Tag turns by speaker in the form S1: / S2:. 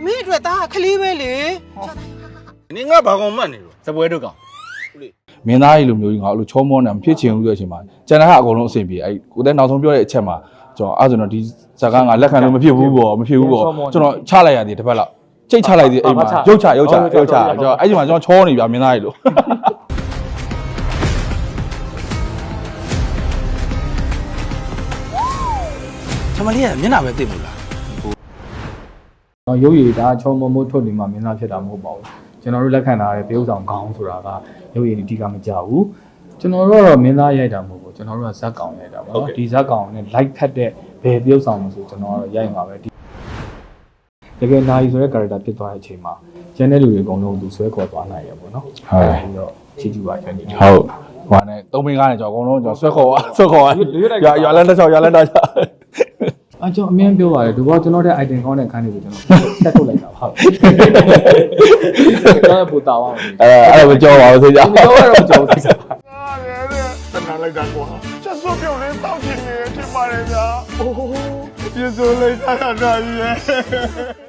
S1: မင်းအတွက်သားခလေးပဲလေ
S2: နင်ငါဘာကောင်မှတ်နေလို့
S3: စပွဲတို့ကောင်
S4: မင်းသားကြီးလိုမျိုးကြီးငါအဲ့လိုချောမောနေမဖြစ်ချင်ဘူးဆိုတဲ့အချိန်မှာကျန်တဲ့ဟာအကုန်လုံးအဆင်ပြေအဲ့ကိုတဲ့နောက်ဆုံးပြောတဲ့အချက်မှာကျွန်တော်အဲ့ဆိုတော့ဒီဇာကငါလက်ခံလို့မဖြစ်ဘူးပေါ့မဖြစ်ဘူးပေါ့ကျွန်တော်ချလိုက်ရသေးတစ်ဖက်လောက်ကြိတ်ချလိုက်သေးအိမ်မှာရုပ်ချကျွန်တော်အဲ့ဒီမှာကျွန်တော်ချောနေပြမင်းသားကြီးလို့
S2: ချမလေးကမျက်နှာပဲသိမလား
S5: တော့ရုပ်ရည်ဒါချုံမမိုးထုတ်နေမှမင်းသားဖြစ်တာမဟုတ်ပါဘူးကျွန်တော်တို့လက်ခံထားတဲ့တရုပ်ဆောင်ခေါင်းဆိုတာကရုပ်ရည်ဒီကမကြဘူးကျွန်တော်တို့ကတော့မင်းသားရိုက်တာမဟုတ်ဘူးကျွန်တော်တို့ကဇက်ကောင်ရိုက်တာပေါ့နော်ဒီဇက်ကောင်နဲ့ like ဖတ်တဲ့ဘယ်တရုပ်ဆောင်လို့ဆိုကျွန်တော်ကတော့ရိုက်မှာပဲဒီတကယ်နိုင်ဆိုတဲ့ character ဖြစ်သွားတဲ့အချိန်မှာကျန်တဲ့လူတွေအကုန်လုံးသူဆွဲခေါ်သွားနိုင်ရပေါ့နော်ဟုတ်ပြီးတော့ချီကျူပါကျွန်တော်
S4: ဟုတ်ဟိုနဲ့သုံးမင်းကားနဲ့ကျွန်တော်အကုန်လုံးကျွန်တော်ဆွဲခေါ်ရွာလန်းတစ်ချောင်းရွာလန်းတစ်ချောင်း
S5: ကျွန်တော်အမြင်ပြောပါတယ်ဒီဘောကျွန်တော်တဲ့ item ကောင်းတဲ့ခန်းတွေကိုကျွန်တော်ဆက်ထုတ်လိုက်တာဟုတ်ကျွန်တော်ပူတာပါ
S4: အဲ့ဒါမကြောက်ပါဘူးသိကြ
S5: မပြောရတော့ကြောက်စိတ်
S2: တနာလိုက်တာကွာချက်စုပ်ပြုတ်လေးတောက်ချင်နေတယ်ထင်ပါတယ်ဗျာအိုးပြေစိုးလိုက်တာကြီးရဲ့